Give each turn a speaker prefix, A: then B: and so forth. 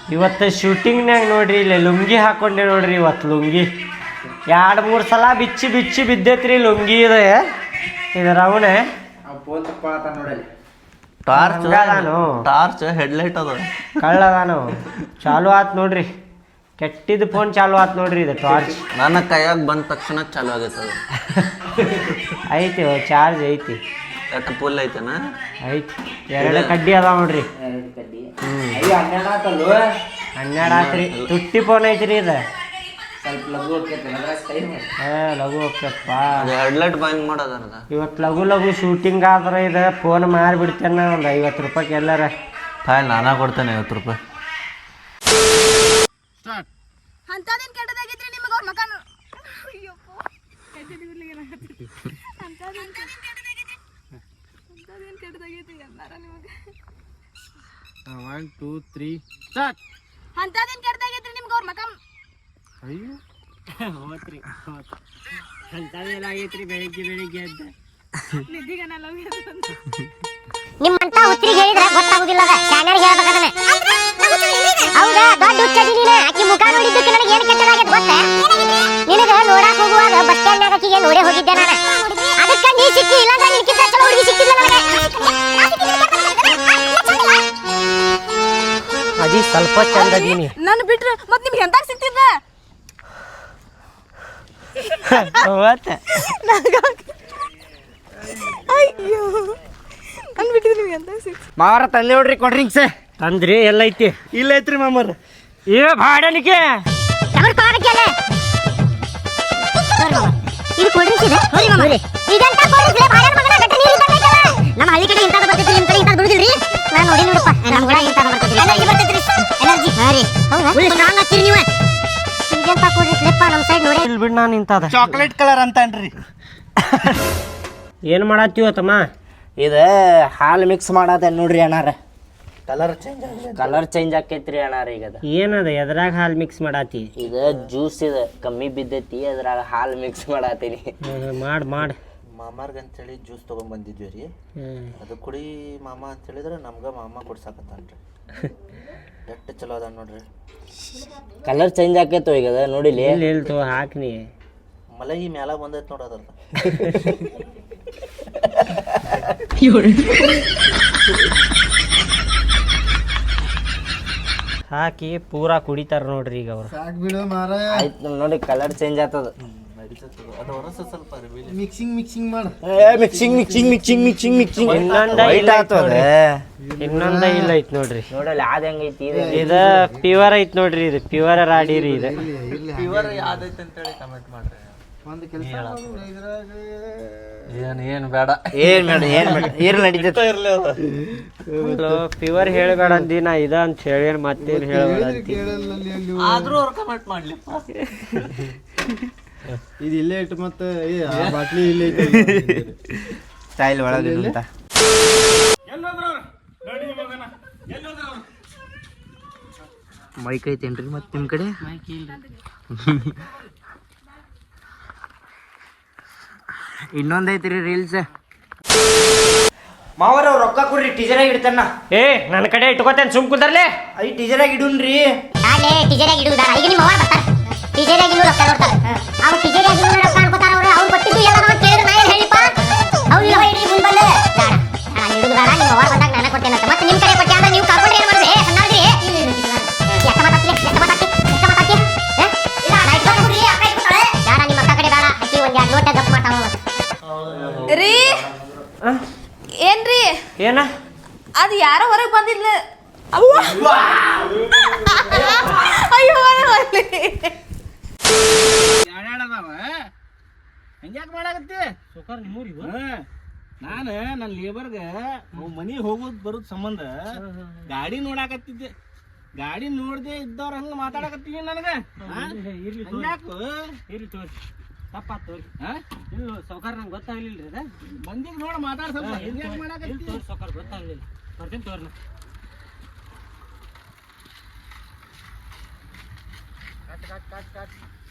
A: ಇವತ್ತು ಶೂಟಿಂಗ್ನಾಗ ನೋಡ್ರಿ ಇಲ್ಲಿ ಲುಂಗಿ ಹಾಕೊಂಡೆ ನೋಡ್ರಿ. ಇವತ್ತು ಲುಂಗಿ 2-3 ಸಲ ಬಿಚ್ಚಿ ಬಿಚ್ಚಿ ಬಿದ್ದೈತ್ರಿ ಲುಂಗಿ. ಇದು ರವಣೆ
B: ಟಾರ್ಚ್ ಹೆಡ್ಲೈಟ್ ಅದ
A: ಕಳ್ಳದಾನು ಚಾಲು ಆತ್ ನೋಡ್ರಿ. ಕೆಟ್ಟಿದ್ದು ಫೋನ್ ಚಾಲು ಆತ್ ನೋಡ್ರಿ. ಇದು ಟಾರ್ಚ್
B: ನನ್ನ ಕೈಯಾಗ ಬಂದ ತಕ್ಷಣ ಚಾಲು ಆಗೈತದ.
A: ಐತಿ ಚಾರ್ಜ್ ಐತಿ.
B: ಎಷ್ಟು ಫುಲ್ ಐತೆನ?
A: ಐತಿ. 2 ಕಡ್ಡಿ ಅದಾವ ನೋಡ್ರಿ. 12 ಆತ್ರಿ. ತುಟ್ಟಿ ಫೋನ್ ಐತ್ರಿ ಇದು. ಲಘು ಹೋಗ್ತಪ್ಪ.
B: ಹೆಡ್ಲೈಟ್ ಬಂದ್ ಮಾಡೋದ.
A: ಇವತ್ತು ಲಘು ಶೂಟಿಂಗ್ ಆದ್ರೆ ಇದು ಫೋನ್ ಮಾರಿಬಿಡ್ತೇನೆ. ಒಂದು 50 ರೂಪಾಯಿಗೆ ಎಲ್ಲಾರ
B: ನಾನಾ ಕೊಡ್ತೇನೆ 50 ರೂಪಾಯಿ.
A: ಬೆಳಿಗ್ಗೆ ಅಂತ
C: ನಿಮ್ಮಂತ ಹುಚ್ಚರಿಗೆ ಹೇಳಿದ್ರೆ ಗೊತ್ತಾಗುದಿಲ್ಲ. ಶಾನ್ಯರಿಗೆ ಹೇಳ್ಬೇಕಾದ್ರೆ ಹೌದಾ ದೊಡ್ಡ ಹುಚ್ಚದಿ ನೀನು. ಆಕಿ ಮುಖ ನೋಡಿದ್ದಕ್ಕೆ ನನಗೆ ಏನು ಕೆಟ್ಟದಾಗೈತೆ ಗೊತ್ತಾ? ನಿನಗ ನೋಡಕ್ ಹೋಗುವಾಗ ಬಸ್ ಸ್ಟ್ಯಾಂಡ್ ಆಕಿಗೆ ನೋಡೇ ಹೋಗಿದ್ದೆ ನಾನು. ಅದಕ್ಕೆ ನೀ ಸಿಕ್ಕಿ, ಇಲ್ಲಾಂದ್ರೆ ನಿನಗಿಂತ ಚಲೋ ಹುಡುಗಿ ಸಿಕ್ಕಿಲ್ಲ ನನಗೆ.
A: ಅದಿ ಸ್ವಲ್ಪ ಚಂದದೀನಿ.
D: ನಾನು ಬಿಟ್ರೆ ಮತ್ತೆ ನಿಮ್ಗೆ ಎಂತಾಗ ಸಿಕ್ತಿದ್ದ? ಅಯ್ಯೋ ನಾನು ಬಿಟ್ಟಿದ್ರೆ ನಿಮ್ಗೆ ಎಂತಾಗ ಸಿಕ್ತಿ?
A: ಮಾರ ತಂದೆ ನೋಡ್ರಿ ಕೊಡ್ ಡ್ರಿಂಕ್ಸ್. ತಂದ್ರಿ ಎಲ್ಲೈತಿ? ಇಲ್ಲ ಐತ್ರಿ ಮಾಮರ. ಏ ಭಾಡನಿಕೆ
C: ಇದು ಕೋಲ್ಡ್ ಡ್ರಿಂಕ್ಸ್ ಇದೆ. ಇದಂತ ಕೋಲ್ಡ್ ಡ್ರಿಂಕ್ಸ್ ಭಾಳ ಮಗನ ಗಟ್ಟ ನೀರು ಇದ್ದೈತಲ್ಲ. ನಮ್ಮ ಹಳ್ಳಿ ಕಡೆ ಇಂತಾದ ಬರ್ತೈತಿ, ನಿಮ್ಮ ಕಡೆ ಇಂತಾದ ಬಿಡುದಿಲ್ರಿ. ನಾನು ನೋಡಿ ನೋಡಪ್ಪ ನಮ್ಮ ಊರಾಗ ಇಂತಾದ ಬರ್ತೈತಿ. ಎನರ್ಜಿ ಬರ್ತೈತ್ರಿ. ಎನರ್ಜಿ ಹಾ ರೀ. ಹೌದಾ ಫುಲ್ ಸ್ಟ್ರಾಂಗ್ ಆಗ್ತೀರಿ ನೀವು. ಇದಂತ ಕೋಲ್ಡ್ ಡ್ರಿಂಕ್ಸ್ ಲೆಪ್ಪ ನಮ್ಮ ಸೈಡ್ ನೋಡಿ.
A: ಇಲ್ಲಿ ಬಿಡ್ ನಾನು ಇಂತಾದ
E: ಚಾಕ್ಲೇಟ್ ಕಲರ್ ಅಂತನ್ರಿ.
A: ಏನು ಮಾಡತ್ತೀವ ತಮ್ಮ?
E: ಇದು ಹಾಲು ಮಿಕ್ಸ್ ಮಾಡದ ನೋಡ್ರಿ ಅಣ್ಣಾರ.
B: ಕಲರ್ ಚೇಂಜ್ ಆಕೈತ್ರಿ ಅಣ್ಣಾರ. ಈಗ
A: ಏನದ ಎದ್ರಾಗ ಹಾಲು ಮಿಕ್ಸ್ ಮಾಡಾತಿ?
B: ಇದು ಜ್ಯೂಸ್ ಇದೆ ಕಮ್ಮಿ ಬಿದ್ದೈತಿ, ಅದ್ರಾಗ ಹಾಲು ಮಿಕ್ಸ್ ಮಾಡಾತೀನಿ.
A: ಮಾಡ್
E: ಮಾಮಾರ್ಗ ಅಂತೇಳಿ ಜ್ಯೂಸ್ ತಗೊಂಡ್ ಬಂದಿದ್ವಿ ರೀ. ಅದು ಕುಡಿ ಮಾಮ ಅಂತ ಹೇಳಿದ್ರೆ ನಮ್ಗ ಮಾಮ ಕೊಡ್ಸಾಕತ್ತಾನ್ರಿ. ಎಷ್ಟು ಚಲೋ ಅದ ನೋಡ್ರಿ.
B: ಕಲರ್ ಚೇಂಜ್ ಆಕೈತೋ ಈಗ ನೋಡಿಲಿ.
A: ಹೇಳ್ತು ಹಾಕ್ನಿ
E: ಮಲಗಿ ಮ್ಯಾಲ ಬಂದೈತ್ ನೋಡೋದ್ರ.
A: ಹಾಕಿ ಪೂರಾ ಕುಡಿತಾರ ನೋಡ್ರಿ ಈಗ ಅವ್ರು.
B: ಆಯ್ತು ನೋಡಿ ಕಲರ್ ಚೇಂಜ್ ಆಗ್ತದ.
E: ಮಿಕ್ಸಿಂಗ್ ಮಾಡ.
A: ಇನ್ನೊಂದ ಇಲ್ಲ ಐತ್ ನೋಡ್ರಿ.
B: ನೋಡಲ್ಲ ಅದ ಹೆಂಗೈತಿ
A: ಇದ ಪ್ಯೂರ್ ಐತ್ ನೋಡ್ರಿ. ಇದು ಪ್ಯೂರ್ ರಾಡಿರಿ. ಇದು
E: ಪ್ಯೂರ್ ಯಾವ್ದೈತೆ ಅಂತೇಳಿ ಕಮೆಂಟ್ ಮಾಡ್ರಿ. ಒಂದು ಕೆಲಸ ಏನು ಬೇಡ
B: ಏನ್ ನಡೀತೈತೆ
A: ಪ್ಯೂರ್ ಹೇಳಬೇಡ ಅಂದಿ. ನಾ ಇದ ಅಂತ ಹೇಳಿ ಮತ್ತೇನು ಹೇಳಬೇಡ ಅಂತಿ.
E: ಆದ್ರೂ ಅವ್ರು ಕಮೆಂಟ್ ಮಾಡ್ಲಿಪ್ಪ.
F: ಇದು ಇಲ್ಲೇ ಇಟ್ಟು ಮತ್ತೆ ಬಾಟ್ಲಿ ಇಲ್ಲೇ ಇಟ್ಟು
B: ಸ್ಟೈಲ್ ಒಳಗೆ ಅಂತ ಮೈಕ್ ಐತೇನ್ರಿ ಮತ್ತೆ ನಿಮ್ಮ ಕಡೆ? ಇನ್ನೊಂದೈತ್ರಿ ರೀಲ್ಸ್.
E: ಮಾವರ ಅವ್ರು ರೊಕ್ಕ ಕೊಡ್ರಿ, ಟೀಚರಾಗಿ ಇಡ್ತಾನ.
A: ಏ ನನ್ನ ಕಡೆ ಇಟ್ಕೋತೇನೆ, ಸುಮ್ ಕುಂದರ್ಲೆ.
E: ಐ ಟೀಚರಾಗಿ ಇಡುನ್ರಿ.
C: ನಾಳೆ ಟೀಚರಾಗಿ ಇಡುವುದಾರ. ಈಗ ನಿಮ್ಮ ಅವ್ವ ಬರ್ತಾರೆ ಟೀಚರಾಗಿ ಇನ್ನೂ ರೊಕ್ಕ ನೋಡ್ತಾರೆ. ಅವ್ರು ಟೀಚರಾಗಿ ಇನ್ನೂ ರೊಕ್ಕ ಅನ್ಕೋತಾರ. ಅವ್ರು ಕೊಟ್ಟಿದ್ದು ಎಲ್ಲ ನಾವು ಕೇಳಿದ್ರೆ ನಾ ಏನು ಹೇಳಿಪ್ಪ? ಅವ್ರು ಇವಾಗ ಇಡ್ರಿ ಮುಂಬಲ್ಲೆ ನಾನು ಇಡುವುದಾರ. ನಿಮ್ಮ ಅವ್ವ ಬಂದಾಗ ನಾನು ಕೊಡ್ತೇನೆ ಅಂತ. ಮತ್ತೆ ನಿಮ್ಮ ಕಡೆ ಕೊಟ್ಟೆ ಅಂದ್ರೆ ನೀವು ಕರ್ಕೊಂಡ್ರೆ ಏನು ಮಾಡ್ರಿ? ಸಣ್ಣಾದ್ರಿ ಎಷ್ಟ ಮಾತಾಡ್ತಿ ಯಾರ ನಿಮ್ಮ ಅಕ್ಕ ಕಡೆ ಬೇಡ. ಅಕ್ಕಿ ಒಂದು 2 ನೋಟ ಗಪ್ ಮಾಡ್ತಾವ
D: ರೀ. ಏನ್ರಿ
A: ಏನ
D: ಅದು ಯಾರೋ ಹೊರಗೆ ಬಂದಿದ್ಲ. ಅಯ್ಯೋ
E: ಹಂಗ್ಯಾಕೆ ಮಾಡಾಕತ್ತಿ? ನಾನು ನನ್ನ ಲೇಬರ್ಗೆ ಮನಿ ಹೋಗೋದು ಬರೋದ್ ಸಂಬಂಧ ಗಾಡಿ ನೋಡಾಕತ್ತಿದ್ದೆ. ಗಾಡಿ ನೋಡ್ದೆ ಇದ್ದವ್ರ ಹಂಗ ಮಾತಾಡಕತ್ತೀವಿ ನನಗೆ.
A: ತಪ್ಪಾತ್ ತೋರಿ. ಇಲ್ಲ ಸೌಕಾರ ನಂಗೆ ಗೊತ್ತಾಗ್ಲಿಲ್ರಿ. ಅದ
E: ಮಂದಿಗೆ ನೋಡಿ ಮಾತಾಡ ಸ್ವಲ್ಪ. ಹಂಗ್ಯಾಕೆ ಮಾಡಾಕತ್ತಿ?
A: ಸೌಕಾರ ಗೊತ್ತಾಗ್ಲಿಲ್ಲ. ಬರ್ತೀನಿ ತೋರ್ನ. ಕಟ್